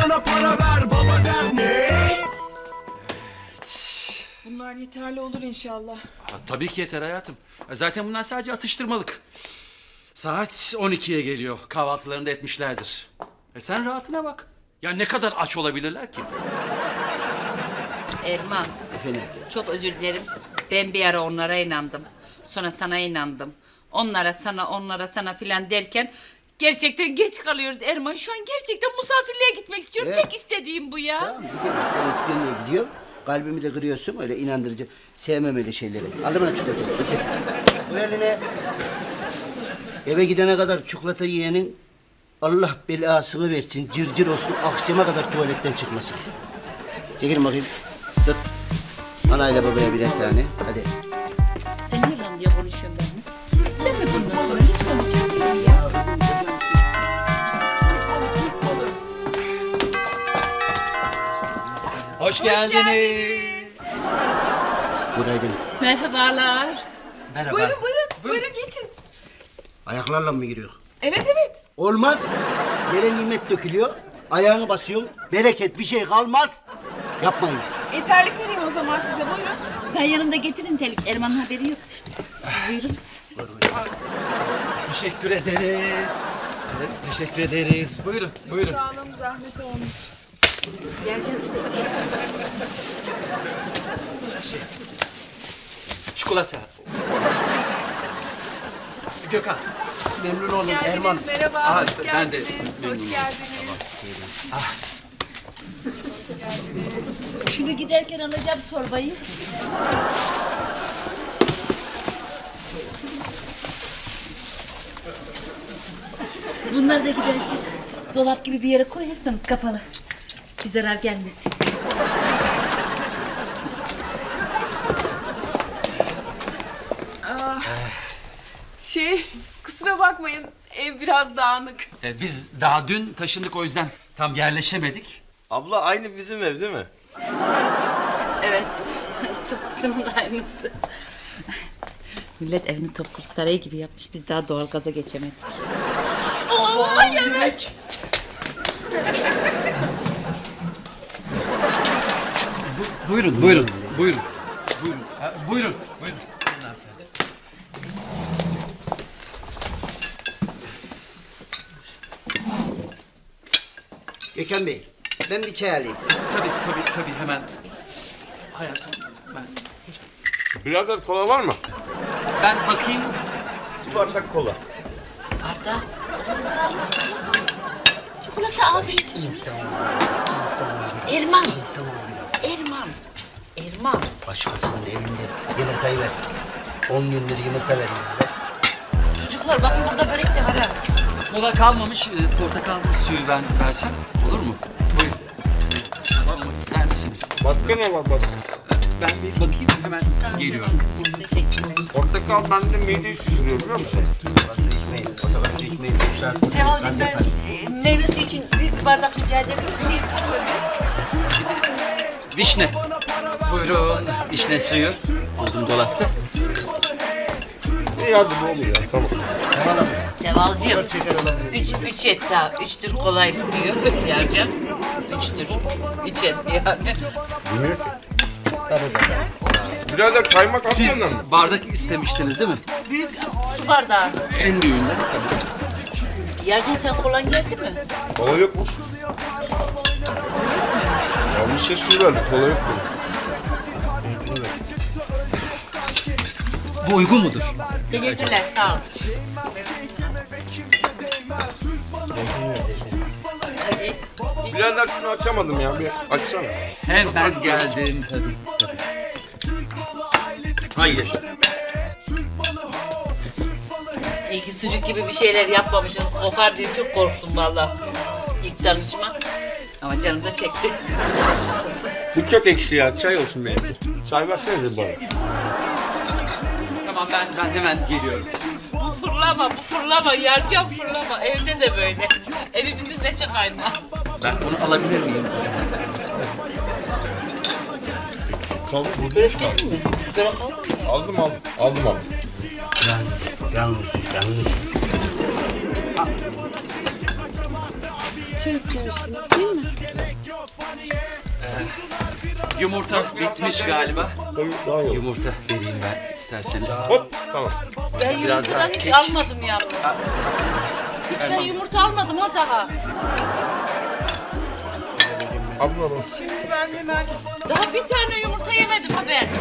bana para ver, baba der ne? Bunlar yeterli olur inşallah. Tabii ki yeter hayatım. Zaten bunlar sadece atıştırmalık. Saat 12'ye geliyor. Kahvaltılarını da etmişlerdir. Sen rahatına bak. Ya ne kadar aç olabilirler ki? Erman, Efendim? çok özür dilerim. Ben bir ara onlara inandım. Sonra sana inandım. Onlara sana filan derken gerçekten geç kalıyoruz Erman. Şu an gerçekten misafirliğe gitmek istiyorum. Evet. Tek istediğim bu ya. Tamam gidelim. Sen istiyorsun diye gidiyorum. Kalbimi de kırıyorsun öyle inandırıcı. Sevmem öyle şeyleri. Aldım bana çikolata. Getir. Bu eline. Eve gidene kadar çikolata yiyenin Allah belasını versin. Cırcır olsun. Akşama kadar tuvaletten çıkmasın. Çekilin bakayım. Tut. Anayla babaya birer tane. Hadi. Sen niye lan diye konuşuyorsun benimle? Ben mi bundan sonra hiç konuşamıyorum ya? Hoş geldiniz. Günaydın. Merhabalar. Merhaba. Buyurun geçin. Ayaklarla mı giriyor? Evet. Olmaz. Yere nimet dökülüyor. Ayağını basıyorsun. Bereket bir şey kalmaz. Yapmayın. Terlik vereyim o zaman size buyurun. Ben yanımda getireyim terlik. Erman'ın haberi yok işte. Siz buyurun. Teşekkür ederiz. Evet, teşekkür ederiz. Buyurun, buyurun. Sağ olun zahmet olmuş. Gel canım. Çikolata. Gökhan. Memnun oldum Geldiniz Erman. merhaba. Aa, hoş ben de geldiniz. memnunum. Hoş geldiniz. Şimdi giderken alacağım torbayı. Bunları da giderken dolap gibi bir yere koyarsanız kapalı. Bir zarar gelmesin. Kusura bakmayın ev biraz dağınık. Biz daha dün taşındık, o yüzden tam yerleşemedik. Abla aynı bizim ev değil mi? Evet, tıpkısının aynısı. Millet evini Topkapı Sarayı gibi yapmış. Biz daha doğalgaza geçemedik. Allah yemek! Buyurun, buyurun, buyurun. Buyurun, buyurun, buyurun. Gökhan Bey, ben bir çay alayım. Tabii, hemen. Hayatım, Birader kola var mı? ben bakayım. Bir bardak kola. Arda. Çikolata ağzını Erman. Erman. Başkasının evinde yumurtayı ver. 10 gündür yumurta vermiyor. Çocuklar bakın burada börek de var ha. Kola kalmamış, portakal suyu ben versem olur mu? Buyurun. Almak ister misiniz? Başka ne var bak? Ben bir bakayım, hemen geliyorum. Teşekkürler. Portakal bende mideyi şişiriyor biliyor musun? Portakal su içmeyin. Portakal su içmeyin. Sevalcığım ben meyve suyu için büyük bir bardak rica edebilir miyim? Vişne. Buyurun, vişne suyu. Buldum dolapta. İyi hadi ne oluyor ya tamam. Sevalcığım. Üç et daha. 3 tür kola istiyor. Yarcan. 3 tür. 3 et yani. Bilmiyor ki. Birader kaymak Siz atsana mı? bardak istemiştiniz değil mi? Büyük su bardağı. En büyüğünden. Yarcan sen kolan geldi mi? Kola yokmuş. Yanlış ses verdi kola yok mu? Bu uygun mudur? Teşekkürler sağ ol. Birader şunu açamadım ya bir açsana. Hemen geldim. Tabii. Hayır. İyi ki sucuk gibi bir şeyler yapmamışsınız. Kokar diye çok korktum vallahi. İlk tanışma. Ama canım da çekti. Açıkçası. Bu çok ekşi ya çay olsun benimki. Çay versenize bana. Tamam ben hemen geliyorum. Bu fırlama. Yarcan fırlama. Evde de böyle. Evimizin neçe kaynağı. Ben onu alabilir miyim o zaman? Tamam bu Börek yedin mi? Börek aldın mı? Aldım. Yanlış. çay istemiştiniz değil mi? Yumurta bitmiş galiba. Daha iyi. Yumurta vereyim ben isterseniz. Hop tamam. Ben Biraz daha yumurtadan hiç kek. almadım yalnız. Hiç ben Erman. yumurta almadım ha daha. Abla Şimdi ben hemen... Daha bir tane yumurta yemedim ha ben.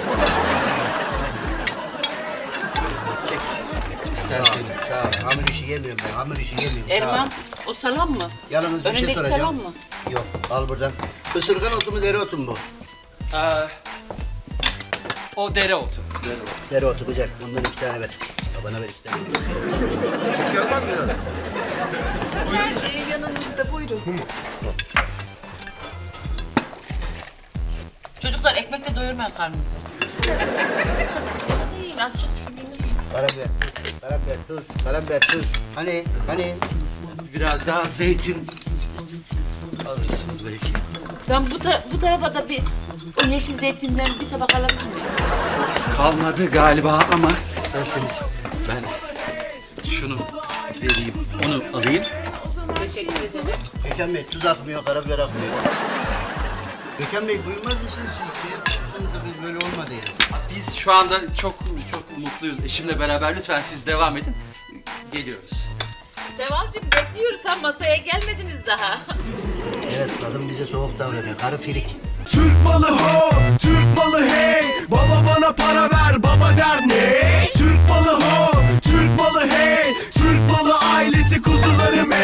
Kek isterseniz. Sağ ol. Hamur işi yemiyorum ben. Hamur işi yemiyorum. Sağ ol. Erman o salam mı? Yalnız bir şey Önündeki soracağım. salam mı? Yok al buradan. Isırgan otu mu dereotu mu bu? O dereotu. Dereotu güzel. Bundan 2 tane ver. Babana ver 2 tane. gelmez mi yani? Ben yanınızda buyurun. Çocuklar ekmekle doyurmayın karnınızı. Şunu değil azıcık şunu yiyin. Karabiber, karabiber, tuz, karabiber, tuz. Hani? Biraz daha zeytin alırsınız belki. Ben bu tarafa da bir o yeşil zeytinden bir tabak alabilir miyim? Kalmadı galiba ama isterseniz ben şunu vereyim. Onu alayım. O zaman Teşekkür ederim. Gökhan Bey tuz akmıyor, karabiber akmıyor. Gökhan Bey buyurmaz mısınız siz? Sonunda biz böyle olmadı yani. Biz şu anda çok mutluyuz. Eşimle beraber lütfen siz devam edin. Geliyoruz. Sevalcığım bekliyoruz ha masaya gelmediniz daha. Evet kadın bize soğuk davranıyor. Karı filik. Türk malı ho, Türk malı hey. Baba bana para ver, baba der ne?